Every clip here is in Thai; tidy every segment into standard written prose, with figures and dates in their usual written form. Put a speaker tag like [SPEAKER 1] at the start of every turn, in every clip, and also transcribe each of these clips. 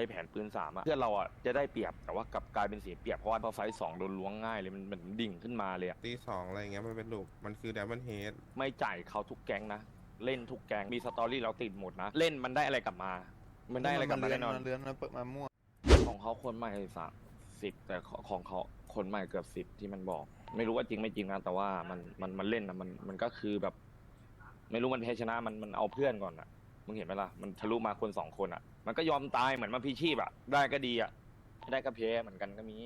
[SPEAKER 1] แผนปืนสามอะเพื่อนเราอะจะได้เปรียบแต่ว่ากลับกลายเป็นเสียเปรียบเพราะว่าพอไฟต์สองโดนล้วงง่ายเลยมันดิ่งขึ้นมาเลยอะ
[SPEAKER 2] ตีสองอะไรเงี้ยมันเป็นลูกมันคือดับเบิลเฮด
[SPEAKER 1] ไม่จ่ายเขาทุกแก๊งนะเล่นทุกแก๊งมีสตอรี่เราติดหมดนะเล่นมันได้อะไรกลับมา มันได้อะไรกลับมาแน่นอน
[SPEAKER 3] เลื้อนมันเปิดมามั่ว
[SPEAKER 1] ของเขาคนใหม่30แต่ของเขาคนใหม่เกือบ10ที่มันบอก ไม่รู้ว่าจริงไม่จริงนะแต่ว่ามันเล่นนะมันก็คือแบบ ไม่รู้มันแพ้ชนะมันเอาเพื่อนก่อนอ่ะมึงเห็นไหมล่ะมันทะลุมาคน2คนอ่ะ มันก็ยอมตายเหมือนมันพีชีพอ่ะได้ก็ดีอ่ะไม่ได้ก็แพ้เหมือนกันก็มี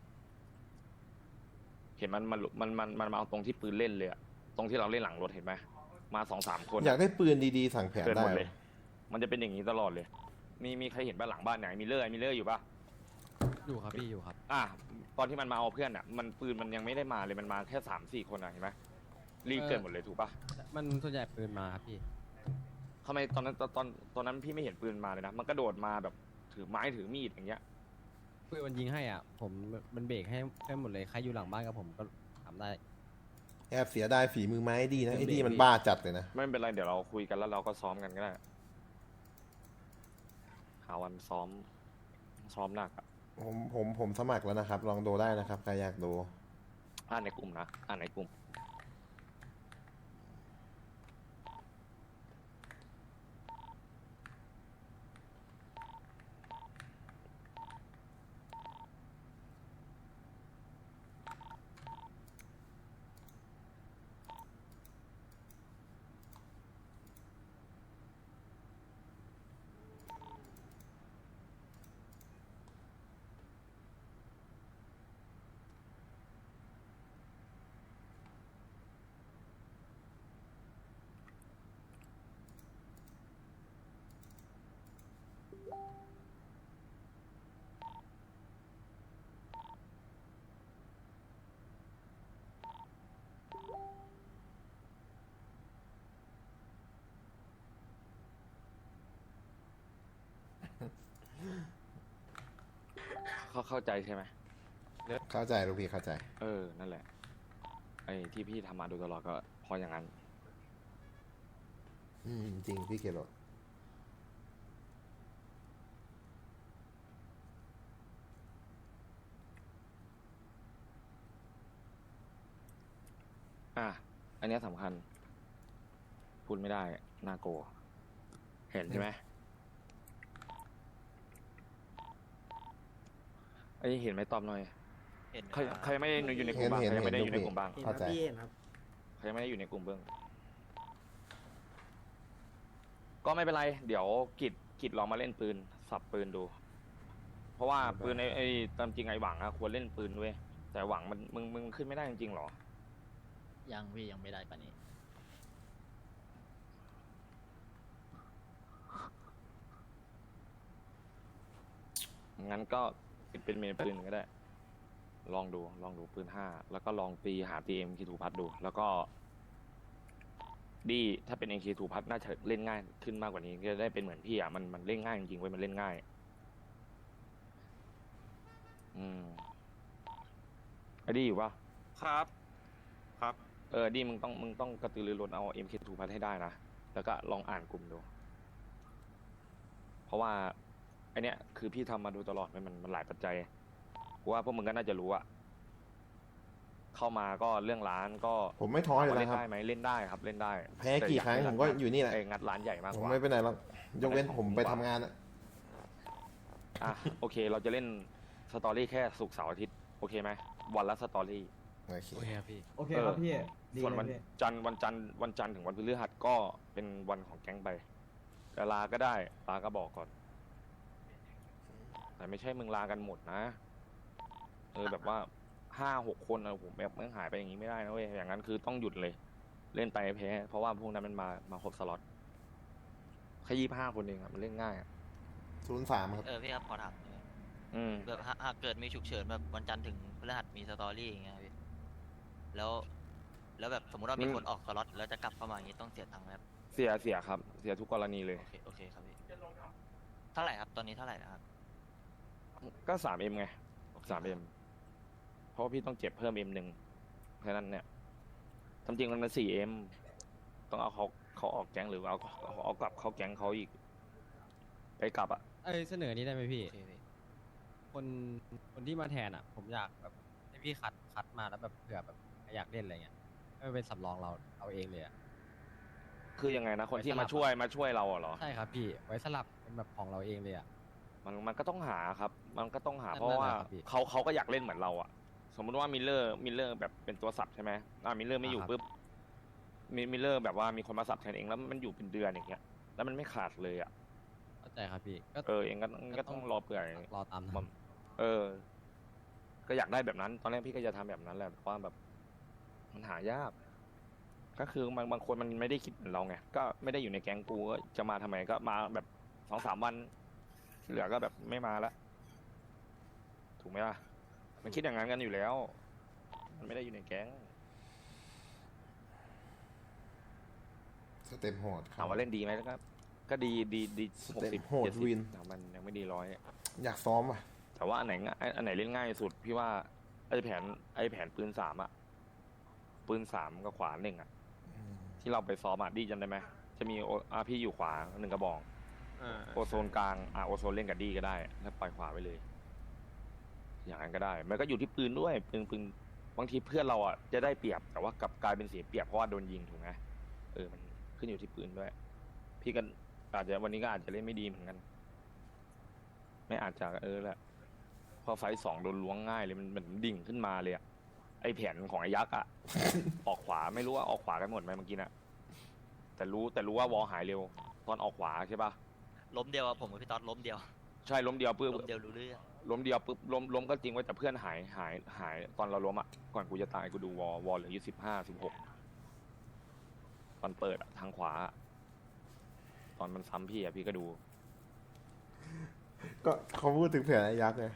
[SPEAKER 1] เห็นมันมาเอาตรงที่ปืนเล่นเลยอะตรงที่เราเล่นหลังรถเห็นไหมมา2-3 คน
[SPEAKER 4] อยากได้ปืนดีๆสั่งแผน
[SPEAKER 1] เกิน
[SPEAKER 4] ได้
[SPEAKER 1] หมดเลย มันจะเป็นอย่างนี้ตลอดเลย มีใครเห็นบ้านหลังบ้านไหนมีเลอร์อยู่ปะ
[SPEAKER 5] อยู่ครับพี่อยู่ครับ
[SPEAKER 1] ตอนที่มันมาเอาเพื่อนอ่ะมันปืนมันยังไม่ได้มาเลยมันมาแค่3-4 คนอ่ะเห็นไหมรีบเกินหมดเลยถูกปะ
[SPEAKER 5] มันส่วนใหญ่ปืนมาครับพี่
[SPEAKER 1] ทำไมตอนนั้นพี่ไม่เห็นปืนมาเลยนะมันกระโดดมาแบบถือไม้ถือมีดอย่างเงี้ย
[SPEAKER 5] ปืนมันยิงให้อ่ะผมมันเบรกให้หมดเลยใครอยู่หลังบ้านกับผมก็ทำได้
[SPEAKER 4] แอบเสียดายฝีมือไม้ดีนะไอ้ดีมันบ้าจัดเลยนะ
[SPEAKER 1] ไม่เป็นไรเดี๋ยวเราคุยกันแล้วเราก็ซ้อมกันก็ได้หาวันซ้อมหนักอะ
[SPEAKER 4] ผมสมัครแล้วนะครับ ลองดูได้นะครับใครอยากดู
[SPEAKER 1] อ่านในกลุ่มนะอ่านในกลุ่ม เข้าใจใช่ไหม
[SPEAKER 4] เข้าใจลูกพี่เข้าใจ
[SPEAKER 1] นั่นแหละไอ้ที่พี่ทำมาโดยตลอดก็เพราะอย่างนั้น
[SPEAKER 4] จริงพี่เกโร
[SPEAKER 1] อันเนี้ยสำคัญ พูดไม่ได้น่าโกลัวเห็นใช่ไหมไอ้เห็นไหมตอบหน่อย
[SPEAKER 6] เห็น
[SPEAKER 1] ใครไม่ได้อยู่ในกลุ่มบ้างใครไม่ได้อยู่ในกลุ่มบ้าง
[SPEAKER 4] เข้าใจ
[SPEAKER 1] ใครไม่ได้อยู่ในกลุ่มเบื้องก็ไม่เป็นไร เดี๋ยวกิจลองมาเล่นปืนสับปืนดู เพราะว่าปืนไอ้ตามจริงไอ้หวังอะควรเล่นปืนด้วยแต่หวังมึงขึ้นไม่ได้จริงๆหรอ
[SPEAKER 6] ยังพี่ยังไม่ได้ปะนี้
[SPEAKER 1] งั้นก็เป็นเมนปืนก็ได้ ลองดูปืน5แล้วก็ลองหาตีเอ็มคีทูพัดดู แล้วก็ดีถ้าเป็นเอ็มคีทูพัดน่าจะเล่นง่ายขึ้นมากกว่านี้จะได้เป็นเหมือนพี่อ่ะมันเล่นง่ายจริงๆเว้ยมันเล่นง่ายไอ้ดีอยู่ปะ
[SPEAKER 2] ครับครับ
[SPEAKER 1] ดีมึงต้องกระตือรือร้นเอา MK2 พัดให้ได้นะแล้วก็ลองอ่านกลุ่มดูเพราะว่าไอเนี้ยคือพี่ทำมาดูตลอดมันหลายปัจจัยเพราะว่าพวกมึงก็น่าจะรู้อะเข้ามาก็เรื่องร้านก็
[SPEAKER 4] ผมไม่ท้อเลย
[SPEAKER 1] เล่
[SPEAKER 4] นะ
[SPEAKER 1] น
[SPEAKER 4] ครับ
[SPEAKER 1] ได้ไหมเล่นได้ครับเล่นได้
[SPEAKER 4] แพ้กี่ครั้งผมก็อยู่นี่แหละ
[SPEAKER 1] งัดร้านใหญ่มาก
[SPEAKER 4] ผ
[SPEAKER 1] ก
[SPEAKER 4] ม
[SPEAKER 1] ว่า
[SPEAKER 4] ไม่ไปไหนหรอกยกเว้นผมไปทำงานอะ
[SPEAKER 1] โอเคเราจะเล่นสตอรี่แค่ศุกร์เสาร์อาทิตย์โอเคไหมวันละสตอรี่
[SPEAKER 4] โอเค
[SPEAKER 5] โอเคครับพี่
[SPEAKER 7] โอเคครับพี่ดี
[SPEAKER 1] ส่วน
[SPEAKER 7] เลย
[SPEAKER 1] วัน
[SPEAKER 7] พี่
[SPEAKER 1] จันทร์ถึงวันพฤหัสก็เป็นวันของแก๊งไปแต่ลาก็ได้ลาก็บอกก่อน แต่ไม่ใช่มึงลากันหมดนะแบบว่า5-6 คนผมแบบมึงหายไปอย่างนี้ไม่ได้นะเว้ยอย่างนั้นคือต้องหยุดเลย เล่นไปแพ้เพราะว่าพวกนั้นมันมาครบสล็อตแค่25 คนเองอะมันเล่นง่ายอะ
[SPEAKER 4] 03ครับ
[SPEAKER 6] พี่ครับขอถามหน่อยแบบหากเกิดมีฉุกเฉินแบบวันจันทร์ถึงพฤหัสมีสตอรี่อย่างเงี้ยพี่แล้วแบบสมมติว่ามีคนออกสล็อตแล้วจะกลับเข้ามาอย่างงี้ต้องเสียตังค์ไหมครับ
[SPEAKER 1] เสียครับเสียทุกกรณีเลย
[SPEAKER 6] โอเคครับพี่เท่าไหร่ครับตอนนี้เท่าไหร่นะครับ
[SPEAKER 1] ก็ 3M ไง 3M เพราะว่าพี่ต้องเจ็บเพิ่ม M1แค่นั้นเนี่ยทำจริงมันเป็น 4M ต้องเอาเขาออกแก๊งหรือเอากลับเข้าแก๊งเขาอีกไปกลับอะ
[SPEAKER 5] เสนอนี้ได้ไหมพี่คนคนที่มาแทนอ่ะ ผมอยากแบบให้พี่คัดมาแล้วแบบเผื่อแบบอยากเล่นอะไรเงี้ยให้มันเป็นสำรองเราเอาเองเลยอ่ะ
[SPEAKER 1] คือยังไงนะคนที่
[SPEAKER 5] ไว้สลั
[SPEAKER 1] มา
[SPEAKER 5] บ
[SPEAKER 1] ช่วยเราอะเหรอ
[SPEAKER 5] ใช่ครับพี่ไว้สลับเป็นแบบของเราเองเลยอ่ะ
[SPEAKER 1] มันก็ต้องหาครับ มันก็ต้องหา
[SPEAKER 5] นั่น
[SPEAKER 1] เพราะว่า
[SPEAKER 5] นั่นแหละครับพี่
[SPEAKER 1] เขาก็อยากเล่นเหมือนเราอะสมมุติว่ามิลเลอร์แบบเป็นตัวสับใช่ไหมมิลเลอร์ไม่อยู่
[SPEAKER 5] ครับ
[SPEAKER 1] ปุ๊บมิลเลอร์แบบว่ามีคนมาสับแทนเองแล้วมันอยู่เป็นเดือนอย่างเงี้ยแล้วมันไม่ขาดเลยอะ
[SPEAKER 5] เข้าใจครับพี่ก็
[SPEAKER 1] เองก็ต้องรอเปื่อย
[SPEAKER 5] รอตาม
[SPEAKER 1] มั
[SPEAKER 5] นั้น น
[SPEAKER 1] ก็อยากได้แบบนั้น ตอนแรกพี่ก็จะทำแบบนั้นแหละแต่ว่าแบบมันหายาก ก็คือบางคนมันไม่ได้คิดเหมือนเราไงก็ไม่ได้อยู่ในแก๊งกูก็จะมาทำไมก็มาแบบ2-3 วันที่เหลือก็แบบไม่มาละถูกไหมล่ะมันคิดอย่างนั้นกันอยู่แล้ว มันไม่ได้อยู่ในแก๊ง
[SPEAKER 4] สเต็ปโหด
[SPEAKER 1] ถามว่าเล่นดีไหมก็ดี
[SPEAKER 4] สเต็ป
[SPEAKER 1] 60
[SPEAKER 4] โหด
[SPEAKER 1] 70
[SPEAKER 4] วิน
[SPEAKER 1] แต่มันยังไม่ดี100
[SPEAKER 4] อยากซ้อมอ่ะ
[SPEAKER 1] แต่ว่าอันไหนเล่นง่ายสุดพี่ว่าไอ้แผนปืน3อะปืน3กับขวา1อะที่เราไปซ้อมอะดีจำได้ไหมจะมีพี่อยู่ขวา1 กระบอก โอโซนกลางโอโซนเล่นกับดีก็ได้แล้วปล่อยขวาไปเลย อย่างนั้นก็ได้ มันก็อยู่ที่ปืนด้วยปืนบางทีเพื่อนเราอ่ะจะได้เปรียบแต่ว่ากลับกลายเป็นเสียเปรียบเพราะว่าโดนยิงถูกไหมมันขึ้นอยู่ที่ปืนด้วย พี่ก็อาจจะวันนี้ก็อาจจะเล่นไม่ดีเหมือนกัน ไม่อาจจะแหละพอไฟต์ 2โดนล้วงง่ายเลยมันเหมือนดิ่งขึ้นมาเลยอะไอแผนของไอ้ยักษ์อะ ออกขวาไม่รู้ว่าออกขวากันหมดไหมเมื่อกี้น่ะแต่รู้ว่าวอลหายเร็วตอนออกขวาใช่ปะ
[SPEAKER 6] ล้มเดียวอะผมกับพี่ต๊อดล้มเดียว
[SPEAKER 1] ใช่ล้มเดียวปุ๊บ
[SPEAKER 6] ล้มเดียวรู้เรื่อง
[SPEAKER 1] ล้มเดียวปุ๊บล้มก็จริงไว้แต่เพื่อนหายตอนเราล้มอ่ะก่อนกูจะตายกูดูวอลเหลืออยู่15-16ตอนเปิดอะทางขวาอะตอนมันซ้ำพี่อ่ะพี่ก็ดู
[SPEAKER 4] ก็เขาพูดถึงแผนไอ้ยักษ์ไง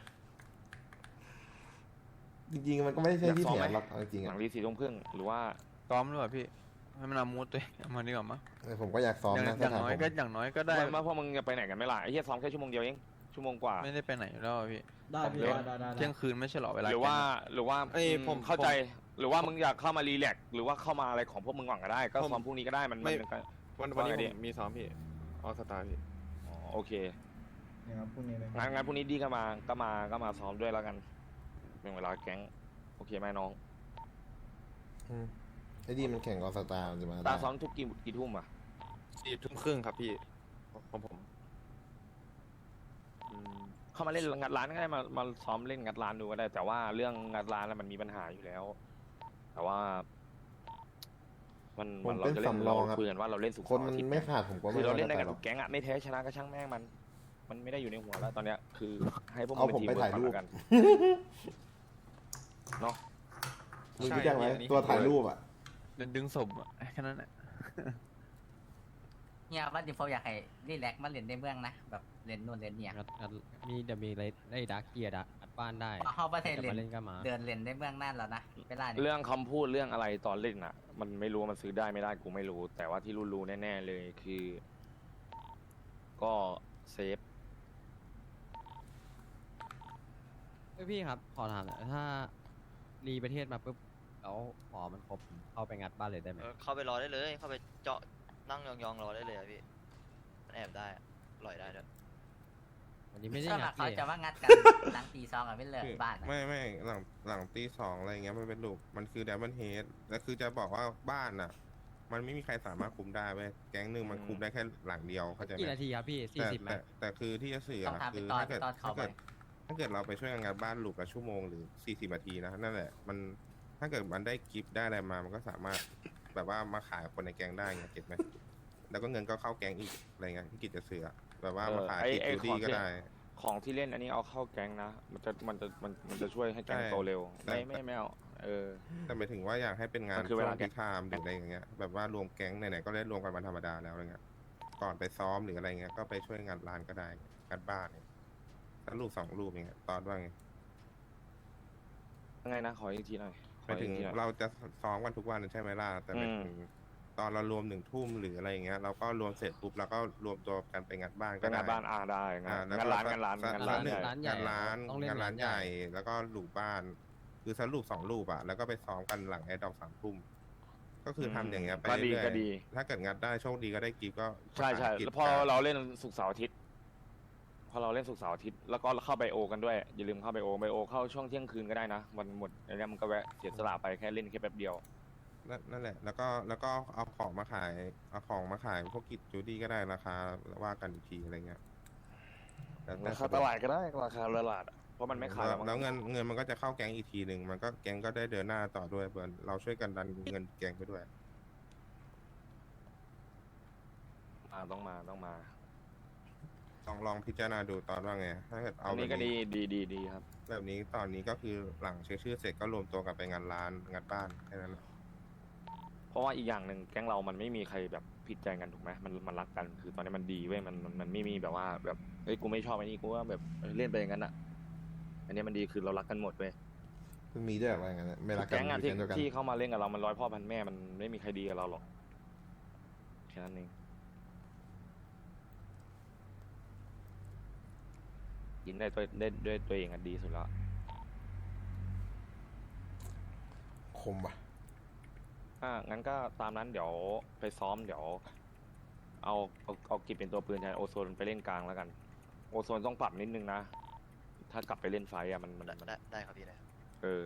[SPEAKER 4] จริงๆมันก็ไม่ใช่ที่
[SPEAKER 1] อยากซ้อม
[SPEAKER 4] แผ
[SPEAKER 1] ไหม
[SPEAKER 4] นหรอกเอาจริงๆ
[SPEAKER 1] หลั
[SPEAKER 4] อ่ะ
[SPEAKER 1] งรี4 ทุ่มครึ่งหรือว่า
[SPEAKER 3] ซ้อมหรือเปล่าพี่ให้มันเอามูดตัวเองเอามาดีกว่ามั้ง
[SPEAKER 4] ผมก็อยากซ้อม
[SPEAKER 3] อย่าง
[SPEAKER 4] นะ
[SPEAKER 3] อย่าง
[SPEAKER 4] ถ้าถาม
[SPEAKER 3] น้อ
[SPEAKER 4] ผ
[SPEAKER 3] ย
[SPEAKER 4] ม
[SPEAKER 3] ก็อย่างน้อยก็ได้
[SPEAKER 1] ว่าพวกมึงจะไปไหนกันไม่ล่ะไอ้เหี้ยซ้อมแค่ชั่วโมงเดียวเองชั่วโมงกว่า
[SPEAKER 3] ไม่ได้ไปไหนอยู่แล้วอะพี่
[SPEAKER 7] ได้พี่
[SPEAKER 1] เดี๋ยว
[SPEAKER 7] ได้
[SPEAKER 3] เที่ยงคืนไม่ใช่เหรอเวลา
[SPEAKER 1] หรือว่า
[SPEAKER 3] เอ้ยผม
[SPEAKER 1] เข้าใจหรือว่ามึงอยากเข้ามารีแลกซ์หรือว่าเข้ามาอะไรของพวกมึงก่อนก็ได้ ก็ซ้อมพรุ่งนี้ก็ได้มัน
[SPEAKER 2] ไม่
[SPEAKER 1] ก็
[SPEAKER 2] วันนี้
[SPEAKER 1] ว่าไง
[SPEAKER 2] ผ
[SPEAKER 1] ดี
[SPEAKER 2] มมีซ้อมพี่ออสตาร์พี่
[SPEAKER 1] อ๋อโอเค
[SPEAKER 7] เนี่ยครับพรุ่งนี้เลย
[SPEAKER 1] งั้นพรุ่งนี้ดีก็มาซ้อมด้วยแล้วกันเป็นเวลาแก๊งโอเคไหมน้อง
[SPEAKER 4] อืมไอ้ดีมันแข่งออสตาร์มันจะมา
[SPEAKER 1] ตา
[SPEAKER 4] ได้
[SPEAKER 1] ซ้อมทุกกี่ทุ่มอ่ะ
[SPEAKER 2] 4 ทุ่มครึ่งครับพี่ของผม
[SPEAKER 1] เข้ามาเล่นงัดร้านก็ได้มาซ้อมเล่นงัดร้านดูก็ได้ แต่ว่าเรื่องงัดร้านแล้วมันมีปัญหาอยู่แล้ว แต่ว่า มัน
[SPEAKER 4] ผม
[SPEAKER 1] เรา
[SPEAKER 4] เป็น
[SPEAKER 1] จะเล่น
[SPEAKER 4] สำร
[SPEAKER 1] เรา
[SPEAKER 4] องครับ
[SPEAKER 1] คุยกันว่าเราเล่นสุกร์
[SPEAKER 4] คน
[SPEAKER 1] เสาร์
[SPEAKER 4] มัน
[SPEAKER 1] อาทิตย์
[SPEAKER 4] ไม่ขาดผมก็
[SPEAKER 1] คื
[SPEAKER 4] ไม่
[SPEAKER 1] อเราเล่นได้
[SPEAKER 4] ว่
[SPEAKER 1] กับ
[SPEAKER 4] หร
[SPEAKER 1] ทุ
[SPEAKER 4] อก
[SPEAKER 1] กแก๊งอะไม่แพ้ชนะก็ช่างแม่งมันไม่ได้อยู่ในหัวแล้วตอนเนี้ยคือให้พวก
[SPEAKER 4] เอา
[SPEAKER 1] น
[SPEAKER 4] ผมไป
[SPEAKER 1] ที
[SPEAKER 4] ถ่ายรูป
[SPEAKER 1] ก่อนเนาะ
[SPEAKER 4] มึงรู้จักไหม
[SPEAKER 2] ใช่อันนี้
[SPEAKER 4] ตัวถ่ายรูปอ่ะ
[SPEAKER 3] ดึงศพอะแค่นั้นแหละ
[SPEAKER 8] เนี่ยว่าดิโฟอยากให้รีแลกซ์มาเล่นในเมืองนะ แบบเล่นนู่นเล่นเนี่ย
[SPEAKER 5] งัดมีเดี๋ยวมีอะไรได้ดักเกียร์อัดบ้านได้
[SPEAKER 8] เข้าประเทศ
[SPEAKER 5] จะ
[SPEAKER 8] เล่
[SPEAKER 5] มาน เล่นก็มา
[SPEAKER 8] เดินเล่นในเมืองนั่นแล้วนะเวลานี้
[SPEAKER 1] เรื่องคำพูดเรื่องอะไรตอนเล่นอะมันไม่รู้ว่ามันซื้อได้ไม่ได้กูไม่รู้ แต่ว่าที่รู้แน่ๆเลยคือ ก็เซฟ
[SPEAKER 5] พี่ครับขอถามหน่อยถ้ารีประเทศมาปุ๊บแล้วหมอมันครบผมเข้าไปงัดบ้านเลยได้ไหม
[SPEAKER 6] เข้าไปรอได้เลย เข้าไปเจาะนั่งยองๆรอได้เลยอะพี่มันแอบได้อะปล่อยได้ด้วย
[SPEAKER 5] วันนี้ไม่ได้
[SPEAKER 8] ส่วน
[SPEAKER 5] งั
[SPEAKER 8] มา
[SPEAKER 5] ด
[SPEAKER 8] กเขา
[SPEAKER 5] เลย
[SPEAKER 8] จะว่างัดกัน หลังตี 2กับไม่เลิกบ้านนะ
[SPEAKER 2] ไม่หลังตี 2อะไรเงี้ยมันเป็นลูกมันคือ Diamond Head แล้วคือจะบอกว่าบ้านอ่ะ มันไม่มีใครสามารถคุมได้เว้ยแก๊งหนึ่งมันคุมได้แค่หลังเดียวเข้าใจไหม
[SPEAKER 5] กี่นาทีครับพี่
[SPEAKER 2] แต่
[SPEAKER 5] 40ไหม
[SPEAKER 2] แต่คือที่จะสื่อ
[SPEAKER 8] ต้อง
[SPEAKER 2] อะ
[SPEAKER 8] ถาม
[SPEAKER 2] คื
[SPEAKER 8] เป็น
[SPEAKER 2] อ
[SPEAKER 8] ตอน
[SPEAKER 2] ถ้าเกิด
[SPEAKER 8] ตอนเขาไป
[SPEAKER 2] ถ้าเกิดเราไปช่วยงานบ้านลูกละชั่วโมงหรือ40 นาทีนะนั่นแหละมันถ้าเกิดมันได้กิฟต์ได้อะไรมามันก็สามารถแบบว่ามาขายคนในแก๊งได้ไงเก็ตไหมแล้วก็เงินก็เข้าแก๊งอีกอะไรเงี้ยที่กิจจะสื่ออะแบบว่ามาขาย
[SPEAKER 1] ไอ้
[SPEAKER 2] ที่
[SPEAKER 1] ไอ้
[SPEAKER 2] จูดี้
[SPEAKER 1] ของ
[SPEAKER 2] ก็
[SPEAKER 1] ที่
[SPEAKER 2] ได้
[SPEAKER 1] ของที่เล่นอันนี้เอาเข้าแก๊งนะมันจะช่วยให้แก๊ง
[SPEAKER 2] ใช่
[SPEAKER 1] โตเร็ว
[SPEAKER 2] แต่
[SPEAKER 1] ไม่เอา
[SPEAKER 2] แต่หมายถึงว่าอยากให้เป็นงาน
[SPEAKER 1] มันคือเว
[SPEAKER 2] ช่ว
[SPEAKER 1] ลาง
[SPEAKER 2] ที่ไทม์หรืออะไรอย่างเงี้ยแบบว่ารวมแก๊งไหนๆก็ได้รวมกันวันธรรมดาแล้วอะไรเงี้ยก่อนไปซ้อมหรืออะไรเงี้ยก็ไปช่วยงานร้านก็ได้งานบ้านเนี่ยแล้วลูก2 ลูกอย่างเงี้ยตอนว่าไง
[SPEAKER 1] ยังไงนะขออีกทีหน่อย
[SPEAKER 2] หมายถึง
[SPEAKER 1] ขออีกทีหน่อย
[SPEAKER 2] เราจะซ้อมกันทุกวันใช่ไหมล่ะแต่หมายถึงตอนเรารวม1 ทุ่มหรืออะไรอย่างเงี้ยเราก็รวมเสร็จปุ๊บเราก็รวมตัวกันไปงานบ้าน
[SPEAKER 1] ก็
[SPEAKER 2] ก็ได้
[SPEAKER 1] งานบ้านได้งาน
[SPEAKER 2] แล้ว
[SPEAKER 1] งาน
[SPEAKER 2] ก็
[SPEAKER 1] ร้านงานร้าน
[SPEAKER 2] สัก
[SPEAKER 1] งานร้าน
[SPEAKER 2] หนึ่ง
[SPEAKER 1] ใหญ่
[SPEAKER 5] ร้านใหญ่
[SPEAKER 2] งานร้าน
[SPEAKER 5] ต้องเล่น
[SPEAKER 2] งานร้าน
[SPEAKER 5] ร้าน
[SPEAKER 2] ใหญ่
[SPEAKER 5] ใหญ่
[SPEAKER 2] แล้วก็ลูกบ้าน คือสรุป2 ลูกอ่ะแล้วก็ไปซ้อมกันหลังแอร์ดอก3 ทุ่มก็คือทำอย่างเงี้ยไป
[SPEAKER 1] ก็ดี
[SPEAKER 2] เรื่อย
[SPEAKER 1] ก็ดี
[SPEAKER 2] ๆถ้าเกิดงัดได้โชคดีก็ได้กิฟต์ก็
[SPEAKER 1] ใช่
[SPEAKER 2] ขายกิฟต์
[SPEAKER 1] แล้วพอเราเล่นศุกร์เสาร์อาทิตย์พอเราเล่นศุกร์เสาร์อาทิตย์แล้วก็เข้าไบโอกันด้วยอย่าลืมเข้าไบโอเข้าช่วงเที่ยงคืนก็ได้นะวันหมดอันนี้มันก็แวะเสียสละไปแค่เล่นแค่แป๊บเดียว
[SPEAKER 2] นั่นแหละ แล้วก็เอาของมาขายพวกกิจจูดี้ก็ได้ราคาว่ากันอีกทีอะไรเงี้ยแล้วแต่
[SPEAKER 1] ราคาตลาดก็ได้ราคาตลาดอะเพราะมันไม่ขาย
[SPEAKER 2] แล้วเงินมันก็จะเข้าแก๊งอีกทีหนึ่งมันก็แก๊งก็ได้เดินหน้าต่อด้วยเบิร์นเราช่วยกันดันเงินแก๊งไปด้วย
[SPEAKER 1] ต้องมา
[SPEAKER 2] ลองพิจารณาดูตอนว่าไงถ้าเกิดเอา
[SPEAKER 1] อัน
[SPEAKER 2] แบ
[SPEAKER 1] นี้
[SPEAKER 2] บ
[SPEAKER 1] ก็
[SPEAKER 2] นี้
[SPEAKER 1] ดีครับ
[SPEAKER 2] แบบนี้ตอนนี้ก็คือหลังเช็คชื่อเสร็จก็รวมตัวกันไปงานร้านงานบ้านแค่นั้นแหละ
[SPEAKER 1] เพราะว่าอีกอย่างหนึ่งแก๊งเรามันไม่มีใครแบบผิดใจกันถูกไหมมันรักกันคือตอนนี้มันดีเว้ยมันไม่มีแบบว่าแบบเฮ้ยกูไม่ชอบไอ้นี่กูว่าแบบเล่นไปอย่างนั้นอ่ะอันนี้มันดีคือเรารักกันหมดเว้ย
[SPEAKER 4] เพิ่งมีด้วยอะไรอย่างเงี้ยไม่รักกัน
[SPEAKER 1] แก๊งอะ
[SPEAKER 4] อยู่แก๊งเดียวกัน
[SPEAKER 1] ที่เข้ามาเล่นกับเรามันร้อยพ่อพันแม่มันไม่มีใครดีกับเราหรอกแค่นั้นเองยินได้ด้วยตัวเองอะดีสุดแล้ว
[SPEAKER 4] คมว่ะ
[SPEAKER 1] งั้นก็ตามนั้นเดี๋ยวไปซ้อมเดี๋ยวเอากิจเป็นตัวปืนแทนโอโซนไปเล่นกลางแล้วกัน โอโซนต้องปรับนิดนึงนะ ถ้ากลับไปเล่นไฟอะมัน
[SPEAKER 6] ได้ครับพี่ได้
[SPEAKER 1] เออ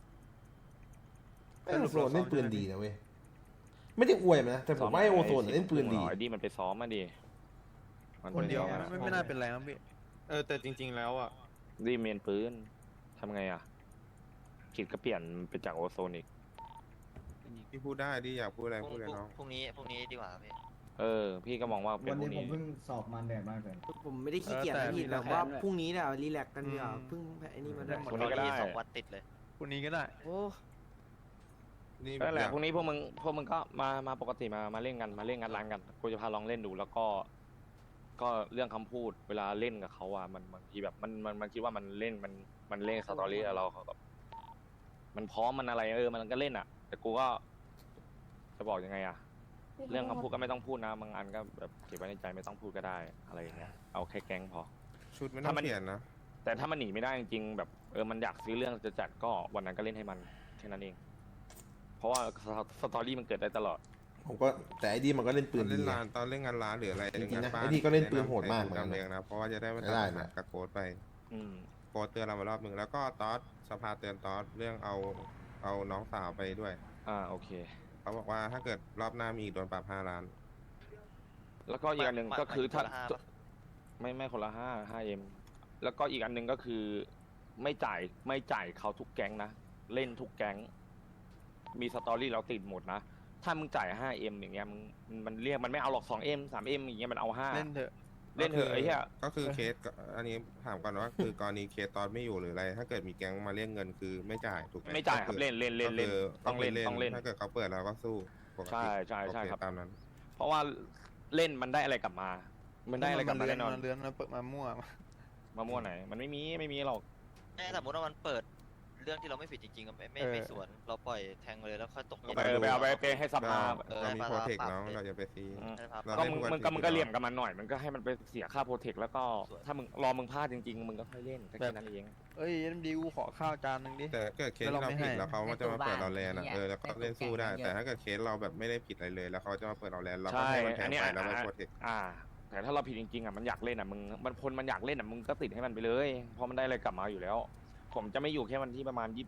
[SPEAKER 4] ไอโอโซนเล่นปืนดีนะเว้ยไม่ได้อวยมันนะแต่ผมว่าไอโอโซนเล่นปืนดี
[SPEAKER 1] ไอ้ดีมันไปซ้อมมาดิมัน
[SPEAKER 3] คนเดียว
[SPEAKER 1] ไปซ้อม
[SPEAKER 3] ไม่น่าเป็นไรครับพี่แต่จริง ๆแล้วอ่ะ
[SPEAKER 1] ดีเมนปืนทำไงอะกิจก็เปลี่ยนเป็นจากโอโซนอีก
[SPEAKER 2] พี่พูดได้ดิอยากพูดอะไรพูดเลยน้อง
[SPEAKER 6] พรุ่งนี้ดีกว่าครับพี่
[SPEAKER 1] พี่ก็มองว่าเป็
[SPEAKER 7] วัน น
[SPEAKER 1] พว
[SPEAKER 7] นี้
[SPEAKER 1] ก
[SPEAKER 7] ผม
[SPEAKER 1] นี้
[SPEAKER 7] เพิ่งสอบมันแดดมากเลย
[SPEAKER 9] ผมไม่ได้ขี้เกียจ
[SPEAKER 3] แต่
[SPEAKER 9] นะพี่
[SPEAKER 3] มี
[SPEAKER 9] แต่
[SPEAKER 3] แผน
[SPEAKER 9] ว่า
[SPEAKER 3] ด้วย
[SPEAKER 9] พรุ่งนี้เนี่ยรีแลกซ์กันดีกว่าเพิ่งไอ้นี่มาได้
[SPEAKER 1] พรุ่งนี้ก็ได้
[SPEAKER 6] สองวันติดเลย
[SPEAKER 3] คนนี้ก็ได้
[SPEAKER 9] โอ้
[SPEAKER 2] นี่
[SPEAKER 1] นั่นแหละ
[SPEAKER 2] อยาก
[SPEAKER 1] พรุ่งนี้พวกมึงก็มาปกติมาเล่นกันมาเล่นงานร้านกันกูจะพาลองเล่นดูแล้วก็เรื่องคำพูดเวลาเล่นกับเขาอ่ะมันบางทีแบบมันคิดว่ามันเล่นมันเล่นสตอรี่กับเราเขาแบบมันพร้อมมันอะไรมันก็เล่นอ่ะ แต่กูก็จะบอกยังไงอ่ะ เรื่องคำพูดก็ไม่ต้องพูดนะบางอันก็แบบเก็บไว้ในใจไม่ต้องพูดก็ได้อะไรอย่างเงี้ยเอาแค่แก๊งพอ
[SPEAKER 2] ชุดไม่ต้องเปลี่ยนนะ
[SPEAKER 1] แต่ถ้ามันหนีไม่ได้จริงๆแบบมันอยากซื้อเรื่องจะจัดก็วันนั้นก็เล่นให้มันแค่นั้นเอง เพราะว่าสตอรี่มันเกิดได้ตลอด
[SPEAKER 4] ผมก็แต่ไอ้ดีมันก็เล่นปืน
[SPEAKER 2] ตอน
[SPEAKER 4] ดี
[SPEAKER 2] เล่น
[SPEAKER 4] ไง
[SPEAKER 2] ร้านตอนเล่นงานร้านหรืออะไร
[SPEAKER 4] จริงๆนะ
[SPEAKER 2] งาบ้า
[SPEAKER 4] ไอ้นี่ก็เล่นปืนโหดมากเหมือนกัน
[SPEAKER 2] จำเองนะเพราะว่าจะได้ไม่
[SPEAKER 4] ไม่ได้
[SPEAKER 2] ต้อง
[SPEAKER 4] นะ
[SPEAKER 2] กับโค้ดไป
[SPEAKER 1] อืม
[SPEAKER 2] โค้ดเตือนเรามารอบหนึ่งแล้วก็ตอสสภาเตือนตอสเรื่องเอาน้องสาวไปด้วย
[SPEAKER 1] โอเค
[SPEAKER 2] เขาบอกว่าถ้าเกิดรอบหน้ามีอีกโดนปรับ5 ล้าน
[SPEAKER 1] แล้วก็อีกอันหนึ่งก็คือถ้า
[SPEAKER 6] คนละ5ปะ
[SPEAKER 1] ไม่คนละ5M แล้วก็อีกอันหนึ่งก็คือไม่จ่ายเขาทุกแก๊งนะเล่นทุกแก๊งมีสตอรี่เราติดหมดนะถ้ามึงจ่าย 5M อย่างเงี้ยมันเรียกมันไม่เอาหรอก 2M 3M อย่างเงี้ยมันเอา5
[SPEAKER 3] เล่นเถอะ
[SPEAKER 1] เล่นเถอะไอ้เหี้ย
[SPEAKER 2] ก็คือเคสอันนี้ถามก่อนว่าคือกรณีเคสตอนไม่อยู่หรืออะไร ถ้าเกิดมีแก๊งมาเรียกเงินคือไม่จ่ายถูกไหม
[SPEAKER 1] ไม่จ่ายครับ
[SPEAKER 2] ก็อ
[SPEAKER 1] เล่นต้องเล่น
[SPEAKER 2] ถ้าเกิดเขาเปิดเราก็สู้ปกติ
[SPEAKER 1] ใช่
[SPEAKER 2] โอเ
[SPEAKER 1] ครับ
[SPEAKER 2] ตามนั้น
[SPEAKER 1] เพราะว่าเล่นมันได้อะไรกลับมา มันได้อะไรกลับมาแน่นอน
[SPEAKER 3] เลื้อนมาเปิดมามั่ว
[SPEAKER 1] มามั่วไหน มันไม่มีหรอก
[SPEAKER 6] ถ้าสมมติว่ามันเปิดเรื่องที่เราไม่ผิดจริงๆก็ไม่สวนเราปล่อยแทงเลยแล้วค่อยตกเย็น
[SPEAKER 1] ไปเอาไปให้สภา
[SPEAKER 2] เรามี
[SPEAKER 6] เออ
[SPEAKER 2] โปรเทค
[SPEAKER 6] ปรับ
[SPEAKER 2] น้องเราอย่าไปซี เรา
[SPEAKER 1] ก็
[SPEAKER 2] เล่นทุกวัน
[SPEAKER 1] มึงก็
[SPEAKER 2] ที่
[SPEAKER 1] เหลี่ยมกับมันหน่อย มันก็ให้มันไปเสียค่าโปรเทคแล้วก็ถ้ามึงมึงพลาดจริงๆ มึงก็ค่อยเล่นแค่นั้นเอง
[SPEAKER 3] เอ้ยเอ็มดีกูขอข้าวจานหนึงดิ
[SPEAKER 2] แต่เกิดเคส
[SPEAKER 3] แล้ว
[SPEAKER 2] ที่
[SPEAKER 3] เรา
[SPEAKER 2] เรา
[SPEAKER 3] ไม่
[SPEAKER 2] ผิด
[SPEAKER 3] ให้
[SPEAKER 2] แล้วเขาจะมาเปิดเราแลน
[SPEAKER 8] เนี่ย
[SPEAKER 2] แล้วก็เล่นสู้ได้ แต่ถ้าเกิดเคสเราแบบไม่ได้ผิดอะไรเลย แล้วเขาจะมาเปิดเราแลนเราก็
[SPEAKER 1] ใช่
[SPEAKER 2] ให้มันแท
[SPEAKER 1] อัน
[SPEAKER 2] ง
[SPEAKER 1] เนี้ย
[SPEAKER 2] ไปแล้วไปโปรเทค
[SPEAKER 1] แต่ถ้าเราผิดจริงๆมันอยากเล่นมันคนมันอยากเล่นมึงก็ติดให้มันไปเลยเพราะมันได้อะไรกลับมาอยู่แล้ว ผมจะไม่อยู่แค่วันที่ประมาณ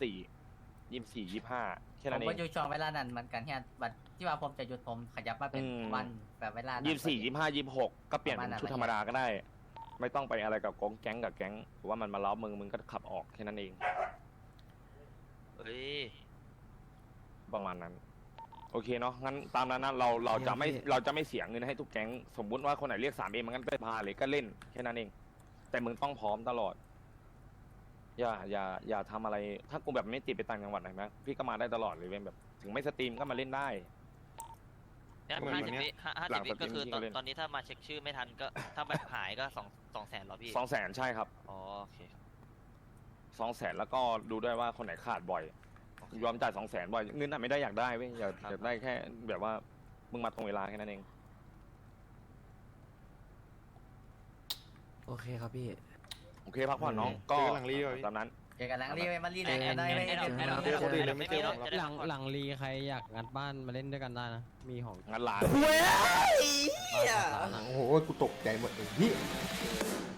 [SPEAKER 1] 24-25แค่
[SPEAKER 8] ผ
[SPEAKER 1] นั้
[SPEAKER 8] ม
[SPEAKER 1] นเอ
[SPEAKER 8] ก็
[SPEAKER 1] ง
[SPEAKER 8] อยู่ช่วงเวลานั้นเหมือนกันที่บัดที่ว่าผมจะหยุดผมขยับมาเป็น
[SPEAKER 1] อืม
[SPEAKER 8] วันแบบเวลานั้น
[SPEAKER 1] 24-25-26ก็เปลี่ยนเป็นชุดธรรมดาก็ได้ ไม่ต้องไปอะไรกับแก๊งหรือว่ามันมาล้อมึงก็ขับออกแค่นั้นเอง
[SPEAKER 6] เฮ้ย
[SPEAKER 1] ประมาณนั้น โอเคเนาะงั้นตามนั้นนะเราจะไม่เสียเงินให้ทุกแก๊งสมมุติว่าคนไหนเรียก 3M มันก็ไปพาเลยก็เล่นแค่นั้นเองแต่มึงต้องพร้อมตลอดอย่าทำอะไรถ้ากูแบบไม่ติดไปต่างจังหวัดไหนไหมพี่ก็มาได้ตลอดเลยเว้ยแบบ ถึงไม่สตรีมก็มาเล่นได้
[SPEAKER 6] เนี่ย
[SPEAKER 1] เหมือนวันเนี้ย หลัง
[SPEAKER 6] 50 วิก็คือ
[SPEAKER 1] สตรีมที่เขาเล่น
[SPEAKER 6] ตอนนี้ถ้ามาเช็คชื่อไม่ทันก็ถ้าแบบหายก็200,000เหรอพี่
[SPEAKER 1] 200,000ใช่ครับ
[SPEAKER 6] อ๋อโอเค
[SPEAKER 1] 200,000แล้วก็ดูด้วยว่าคนไหนขาดบ่อยยอมจ่าย200,000บ่อยเงินน่ะไม่ได้อยากได้เว้ยอยากได้แค่แบบว่ามึงมาตรงเวลาแค่นั้นเอง
[SPEAKER 9] โอเคครับพี่
[SPEAKER 1] โอเคพักผ่อนน้องก็
[SPEAKER 3] เจอกันหลังรีดีกว่าพี่
[SPEAKER 1] ตามนั้น
[SPEAKER 8] เจอกันหลังรีไปมารีแลกกันได้ไหม
[SPEAKER 3] เจอคนอื่นเลยไม่เจอผม
[SPEAKER 5] หลังรีใครอยากงัดบ้านมาเล่นด้วยกันได้นะ มีของ
[SPEAKER 1] งานร้าน
[SPEAKER 9] เว้ย
[SPEAKER 5] บ้านหลังร้านอะ
[SPEAKER 4] โอ้โหกูตกใจหมดเลยพี่